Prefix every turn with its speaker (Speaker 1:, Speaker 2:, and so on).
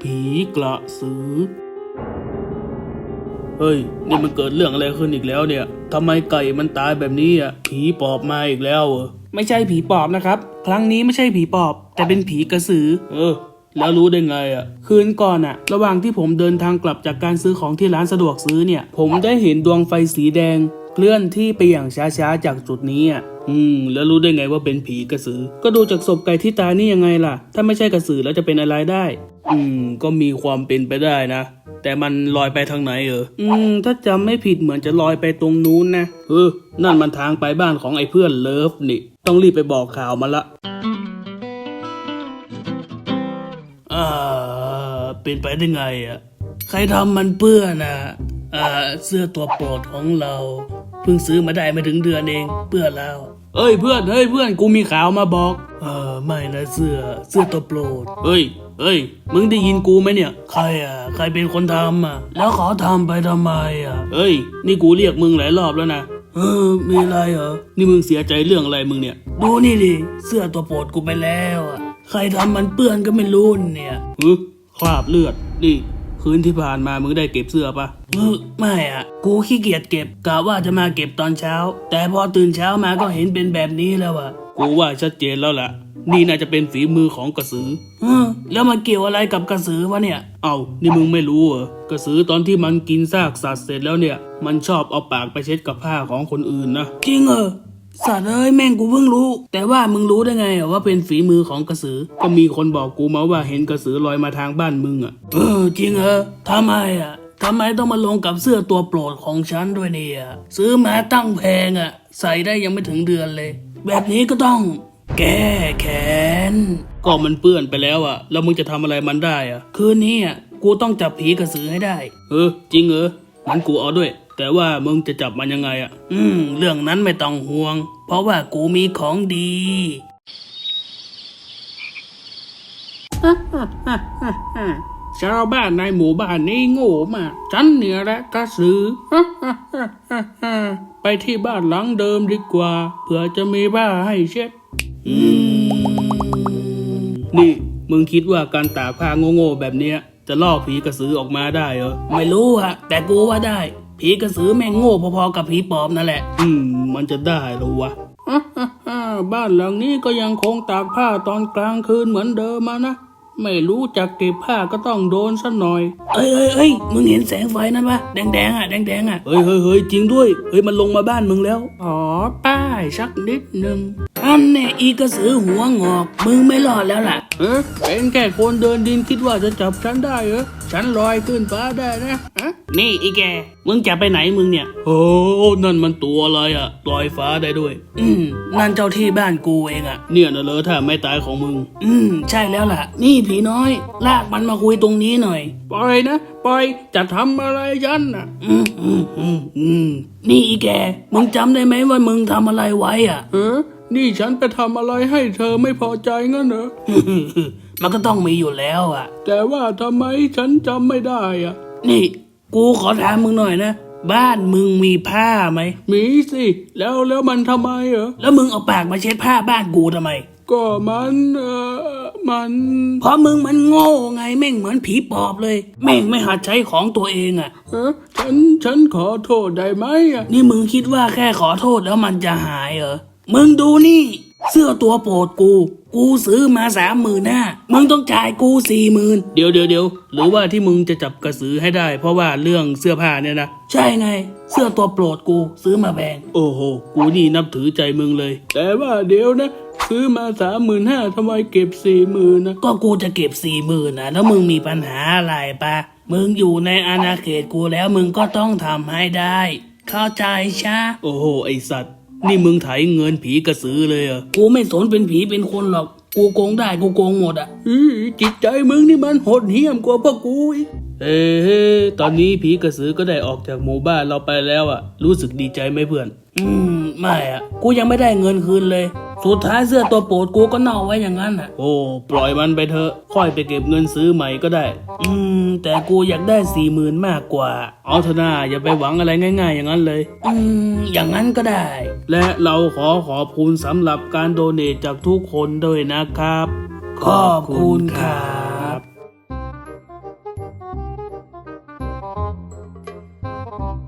Speaker 1: ผีกระสือเฮ้ยนี่มันเกิดเรื่องอะไรขึ้นอีกแล้วเนี่ยทำไมไก่มันตายแบบนี้อ่ะผีปอบมาอีกแล้วเหรอไม่ใช่ผีปอบนะครับครั้งนี้ไม่ใช่ผีปอบแต่เป็นผีกระสือแล้วรู้ได้ไงอ่ะคืนก่อนอ่ะระหว่างที่ผมเดินทางกลับจากการซื้อของที่ร้านสะดวกซื้อเนี่ยผมได้เห็นดวงไฟสีแดงเคลื่อนที่ไปอย่างช้าๆจากจุดนี้อ่ะแล้วรู้ได้ไงว่าเป็นผีกระสือก็ดูจากศพไก่ที่ตายนี่ยังไงล่ะถ้าไม่ใช่กระสือแล้วจะเป็นอะไรได้ก็มีความเป็นไปได้นะแต่มันลอยไปทางไหนถ้าจำไม่ผิดเหมือนจะลอยไปตรงนู้นนะนั่นมันทางไปบ้านของไอ้เพื่อนเลิฟนี่ต้องรีบไปบอกข่าวมันละเป็นไปได้ไงอ่ะใครทำมันเปื้อนเสื้อตัวโปรดของเราเพิ่งซื้อมาได้ไม่ถึงเดือนเองเปื้อนแล้วเพื่อนกูมีข่าวมาบอกไม่นะเสื้อตัวโปรดเฮ้ยมึงได้ยินกูไหมเนี่ยใครเป็นคนทำแล้วเขาทำไปทำไมนี่กูเรียกมึงหลายรอบแล้วนะมีอะไรเหรอนี่มึงเสียใจเรื่องอะไรมึงเนี่ยดูนี่ดิเสื้อตัวโปรดกูไปแล้วใครทำมันเปื้อนก็ไม่รู้เนี่ยคราบเลือดนี่คืนที่ผ่านมามึงได้เก็บเสื้อปะไม่กูขี้เกียจเก็บกะว่าจะมาเก็บตอนเช้าแต่พอตื่นเช้ามาก็เห็นเป็นแบบนี้แล้วกูว่าชัดเจนแล้วล่ะนี่น่าจะเป็นฝีมือของกระสือแล้วมันเกี่ยวอะไรกับกระสือวะเนี่ยนี่มึงไม่รู้เหรอกระสือตอนที่มันกินซากสัตว์เสร็จแล้วเนี่ยมันชอบเอาปากไปเช็ดกับผ้าของคนอื่นนะจริงสัตว์แม่งกูเพิ่งรู้แต่ว่ามึงรู้ได้ไงว่าเป็นฝีมือของกระสือก็มีคนบอกกูมาว่าเห็นกระสือลอยมาทางบ้านมึงจริงทำไมต้องมาลงกับเสื้อตัวโปรดของฉันด้วยเนี่ยซื้อมาตั้งแพงใส่ได้ยังไม่ถึงเดือนเลยแบบนี้ก็ต้องแก้แค้นก็มันเปื้อนไปแล้วแล้วมึงจะทำอะไรมันได้คืนนี้กูต้องจับผีกระสือให้ได้จริงงั้นกูเอาด้วยแต่ว่ามึงจะจับมันยังไงเรื่องนั้นไม่ต้องห่วงเพราะว่ากูมีของดีชาวบ้านในหมู่บ้านนี้โง่มากฉันเนี่ยแหละกระสือไปที่บ้านหลังเดิมดีกว่าเผื่อจะมีผ้าให้เช็ดนี่มึงคิดว่าการตากผ้าโง่ๆแบบเนี้ยจะล่อผีกระสือออกมาได้เหรอไม่รู้แต่กูว่าได้ผีกระสือแม่งโง่พอๆกับผีปอบนั่นแหละมันจะได้หรอวะบ้านหลังนี้ก็ยังคงตากผ้าตอนกลางคืนเหมือนเดิมนะไม่รู้จักเก็บผ้าก็ต้องโดนซะหน่อยมึงเห็นแสงไฟนั่นปะแดงแดงเฮ้ยจริงด้วยมันลงมาบ้านมึงแล้วป้ายสักนิดนึงอันแน่อีกระสือหัวงอกมึงไม่รอดแล้วล่ะเป็นแค่คนเดินดินคิดว่าจะจับฉันได้ฉันลอยขึ้นฟ้าได้นะนี่อีแกมึงจะไปไหนมึงเนี่ยนั่นมันตัวอะไรลอยฟ้าได้ด้วยนั่นเจ้าที่บ้านกูเองเนี่ยนะเลยถ้าไม่ตายของมึงใช่แล้วล่ะนี่ผีน้อยลากมันมาคุยตรงนี้หน่อยปล่อยนะปล่อยจะทำอะไรฉันนี่อีแกมึงจำได้ไหมว่ามึงทำอะไรไว้นี่ฉันไปทำอะไรให้เธอไม่พอใจงั้นเหรอ มันก็ต้องมีอยู่แล้วแต่ว่าทำไมฉันจำไม่ได้นี่กูขอถามมึงหน่อยนะบ้านมึงมีผ้าไหมมีสิแล้วมันทำไมแล้วมึงเอาปากมาเช็ดผ้าบ้านกูทำไมก็มันเพราะมึงมันโง่ไงแม่งเหมือนผีปอบเลยแม่งไม่หัดใช้ของตัวเองฉันขอโทษได้ไหมนี่มึงคิดว่าแค่ขอโทษแล้วมันจะหายเหรอมึงดูนี่เสื้อตัวโปรดกูซื้อมา35,000มึงต้องจ่ายกู40,000เดี๋ยวหรือว่าที่มึงจะจับกระสือให้ได้เพราะว่าเรื่องเสื้อผ้าเนี่ยนะใช่ไงเสื้อตัวโปรดกูซื้อมาแพงโอ้โหกูนี่นับถือใจมึงเลยแต่ว่าเดี๋ยวนะซื้อมา35,000ทำไมเก็บ40,000นะก็กูจะเก็บ40,000นะแล้วมึงมีปัญหาอะไรปะมึงอยู่ในอาณาเขตกูแล้วมึงก็ต้องทำให้ได้เข้าใจใช่โอ้โหไอสัตว์นี่มึงไถเงินผีกระสือเลยกูไม่สนเป็นผีเป็นคนหรอกกูโกงได้กูโกงหมดจิตใจมึงนี่มันโหดเหี้ยมกว่าพวกกูอีกตอนนี้ผีกระสือก็ได้ออกจากหมู่บ้านเราไปแล้วรู้สึกดีใจไหมเพื่อนไม่กูยังไม่ได้เงินคืนเลยสุดท้ายเสื้อตัวโปรดกูก็เน่าไว้อย่างนั้นโอ้ปล่อยมันไปเถอะค่อยไปเก็บเงินซื้อใหม่ก็ได้แต่กูอยากได้40,000มากกว่าเอาเถอะนะอย่าไปหวังอะไรง่ายๆอย่างนั้นเลยอย่างนั้นก็ได้และเราขอบคุณสำหรับการโดเนทจากทุกคนด้วยนะครับขอบคุณครับ